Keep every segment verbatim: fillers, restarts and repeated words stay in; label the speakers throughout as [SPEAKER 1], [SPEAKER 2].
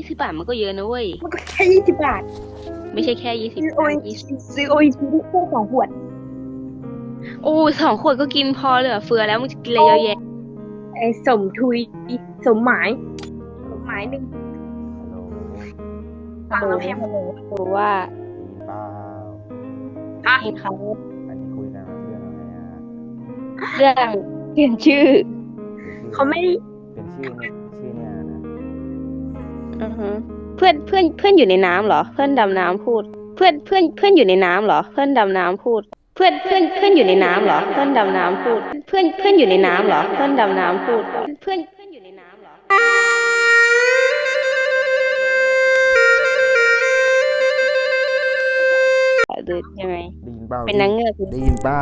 [SPEAKER 1] สิบบาทมันก็เยอะนะเว้ย
[SPEAKER 2] มันก็แค่ยี่สิบบาท
[SPEAKER 1] ไม่ใช่แค่ยี่สิบ
[SPEAKER 2] ซื้อโอ
[SPEAKER 1] าท
[SPEAKER 2] ย
[SPEAKER 1] ยี่สิบ
[SPEAKER 2] ซื้อโอทีได้แค่สองขวด
[SPEAKER 1] โอ้สองขวดก็กินพอเหลือเฟือแล้วมึงจะกินอะไรเยอะแยะ
[SPEAKER 2] ไอ้สมทุยสมหมายสมหมายหนึ่ง
[SPEAKER 3] ฮัลโหล
[SPEAKER 2] ฟังแล้วแพง
[SPEAKER 1] รู้ว่า
[SPEAKER 3] ได้ยินเปล่า
[SPEAKER 2] ฮะ
[SPEAKER 1] เห็นเขา
[SPEAKER 3] อันนี้คุยกันเรื่องอะไรอ่ะ
[SPEAKER 1] เรื่องเปลี่ยนชื่อ
[SPEAKER 2] เขาไม่ได้
[SPEAKER 3] เป็นชื่อเนี่ยชื่อเนี่ยนะ
[SPEAKER 1] อือฮึเพื่อนเพื่อนเพื่อนอยู่ในน้ำเหรอ เพื่อนดำน้ำพูด เพื่อนเพื่อนเพื่อนอยู่ในน้ำเหรอ เพื่อนดำน้ำพูด เพื่อนเพื่อนเพื่อนอยู่ในน้ำเหรอ เพื่อนดำน้ำพูด เพื่อนเพื่อนอยู่ในน้ำเหรอ เพื่อนดำน้ำพูด เพื่อนเพื่อนอยู่ในน้ำเหรอหรือยังไง
[SPEAKER 3] ได้ยินเปล่า
[SPEAKER 1] เป็นนางเงือก
[SPEAKER 3] ได้ยินเปล่า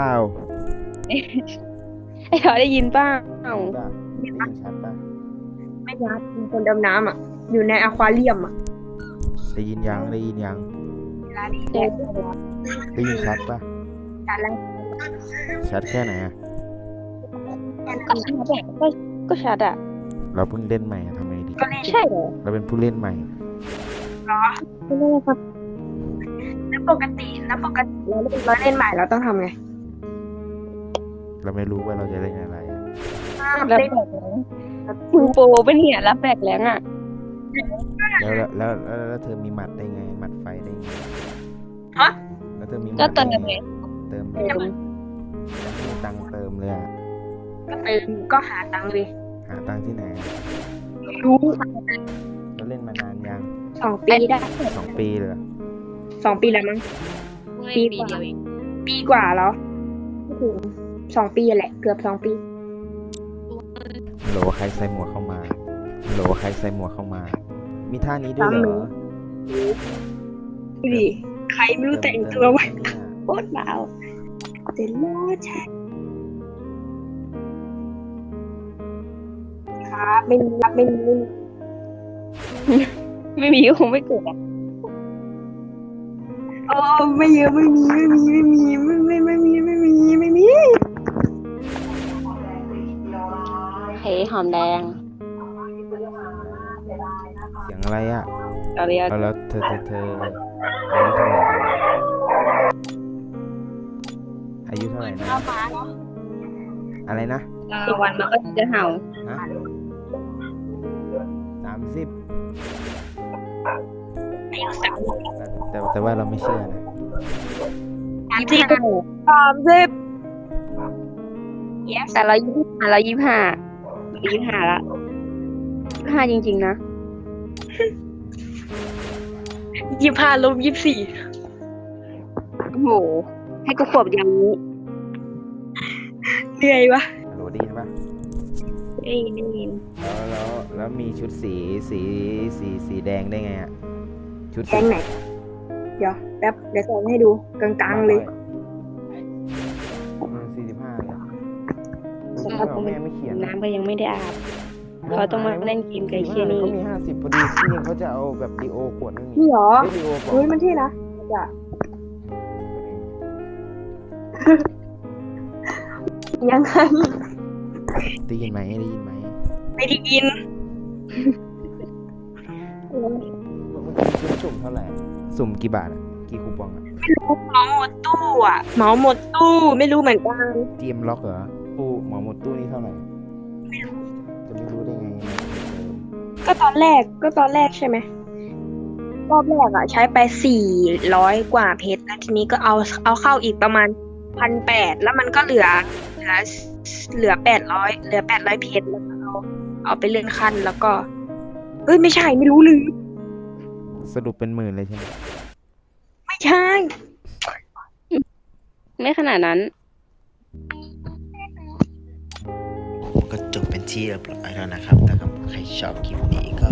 [SPEAKER 1] ไอ้ทอได้ยินเปล่า
[SPEAKER 3] ได้ยินเปล่าได้ยินชัดป่ะ
[SPEAKER 2] ไม่ยัดมีคนดำน้ำอ่ะ อยู่ในอควาเรียมอ่ะ
[SPEAKER 3] ได้ยินยังได้ยินยัง
[SPEAKER 2] เวลาดีแค่
[SPEAKER 3] ได้ยินชัดป่ะ
[SPEAKER 2] การล้าง
[SPEAKER 3] ชัดแค่ไหนอ่ะ
[SPEAKER 1] ก็ชัดอะก็ก็ชัดอะ
[SPEAKER 3] เราเพิ่งเล่นใหม่อะทำไงดี
[SPEAKER 2] ก็เล่น
[SPEAKER 1] ใช่เหรอ
[SPEAKER 3] เราเป็นผู้เล่นใหม่
[SPEAKER 2] ไม่ได้ครับแล้วปกติแล้วปกติเราเล่นเราเล่นใหม่เราต้องทำไง
[SPEAKER 3] เราไม่รู้ว่าเราจะเล่นอะไรอะ
[SPEAKER 1] รับแบกแรงมึงโปรเป็นเนี่ยรับแบกแรงอะ
[SPEAKER 3] แล้วแล้วแล้วแล้วแล้วเธอมีหมัดได้ไงหมัดไฟได้ไง
[SPEAKER 2] ฮะ
[SPEAKER 3] แล้วเธอมีหมั
[SPEAKER 1] ก็
[SPEAKER 3] ด
[SPEAKER 1] เติ
[SPEAKER 3] ได้
[SPEAKER 1] ม
[SPEAKER 3] ไง
[SPEAKER 1] ไง
[SPEAKER 3] เติม
[SPEAKER 1] เติม
[SPEAKER 3] มีตังค์เติมเลยอะ
[SPEAKER 2] ก็เติมก็หาตังค์เลย
[SPEAKER 3] หาตังค์ที่ไหนอะ
[SPEAKER 2] รู้
[SPEAKER 3] เราเล่นมานานยัง
[SPEAKER 2] สองปีได้
[SPEAKER 3] สองปีเลยเหรอ
[SPEAKER 2] สองปีแล้วมั้ง
[SPEAKER 1] ปีเดียวเอง
[SPEAKER 2] ปีกว่าแล้วไม่ถึงสองปีแหละ เกือบสองปี
[SPEAKER 3] โหลใครใส่หมวกเข้ามาโหลใครใส่หมวกเข้ามา มีท่านี้ด้วยเหรอ
[SPEAKER 2] ดูดิใครไม่รู้แต่งตัวไว้โคตรเบาเดี๋ยวรอใช่ครับไม่มีครับไม่มีไม่มี
[SPEAKER 1] ไม่มีก็คงไม่เกิดอะ
[SPEAKER 2] โอ้ไม่เยอะไม่มีไม่มีไม่มีไม่ไม่ไม่มีไม่มีไม่มี
[SPEAKER 1] เฮ้หอมแดง
[SPEAKER 3] เสียงอะไรอ่ะ
[SPEAKER 1] เอาเรียก
[SPEAKER 3] แล้วแล้วเธอเธอเธออายุเท่าไหร่นะอายุเท่าไหร่นะอะไรนะ
[SPEAKER 1] อีกวันมันก็จะเห่า
[SPEAKER 3] ฮะสามสิบ
[SPEAKER 2] อายุสาม
[SPEAKER 3] แต่แต่แต่ว่าเราไม่เชื่อนะ
[SPEAKER 1] ยี่สิบ
[SPEAKER 2] สามสิบ
[SPEAKER 1] แต่เรายี่สิบห้าเรายี่สิบห้ายี่สิบห้าละยี่สิบห้าจริงๆนะ
[SPEAKER 2] ยี่สิบห้าลบยี่สิบสี่
[SPEAKER 1] โอ้โหให้กูขวบอย่างนี้
[SPEAKER 2] เหนื่อยวะ
[SPEAKER 3] โหลได้ยินปะ
[SPEAKER 1] ได้ยินได้ยิน
[SPEAKER 3] แล้วแล้วแล้วมีชุดสีสีสีสีแดงได้ไงอ่ะชุด
[SPEAKER 2] แกงไหน เดี๋ยวแป๊บเดี๋ยวส่งให้ดูกลางๆเลย
[SPEAKER 3] สี่สิบห้าเลย
[SPEAKER 1] สภาพกู
[SPEAKER 3] แม่ไม่เขียน
[SPEAKER 1] น้ำก็ยังไม่ได้อาบ เขาต้องมาเล่นเกมกับไอ้เชี่ยนี่
[SPEAKER 3] เขามีห้าสิบพอดีที่จริงเขาจะเอาแบบดีโอขวดไม่มี
[SPEAKER 2] นี่เหรอ
[SPEAKER 3] ไม่ดีโอปลอ
[SPEAKER 2] เฮ้ย
[SPEAKER 3] ม
[SPEAKER 2] มันเท่นะจะยังไง
[SPEAKER 3] ได้ยินไหมได้ยินไหม
[SPEAKER 2] ไม่ได้ยิน
[SPEAKER 3] เมื่อกี้สุ่มเท่าไหร่สุ่มกี่บาทอ่ะกี่คูปองอ่ะ
[SPEAKER 2] ไม่รู้เหมาหมดตู้อ่ะเหมาหมดตู้ไม่รู้เหมือนกัน
[SPEAKER 3] เตรียมล็อกเหรอตู้หมอหมดตู้นี่เท่าไหร่จะไม่รู้ได้ไง
[SPEAKER 2] ก็ตอนแรกก็ตอนแรกใช่ไหมรอบแรกอะใช้ไปสี่ร้อยกว่าเพชรแล้วทีนี้ก็เอาเอาเข้าอีกประมาณพันแปดแล้วมันก็เหลือเหลือเหลือแปดร้อยเหลือแปดร้อยเพชรแล้วก็เอาเอาไปเลื่อนขั้นแล้วก็เอ้ยไม่ใช่ไม่รู้เลย
[SPEAKER 3] สรุปเป็นหมื่นเลยใช่ไหม
[SPEAKER 2] ไม่ใช่
[SPEAKER 1] ไม่ขนาดนั้น
[SPEAKER 4] ก็จบเป็นที่เรียบร้อยแล้วนะครับถ้าใครชอบคลิปนี้ก็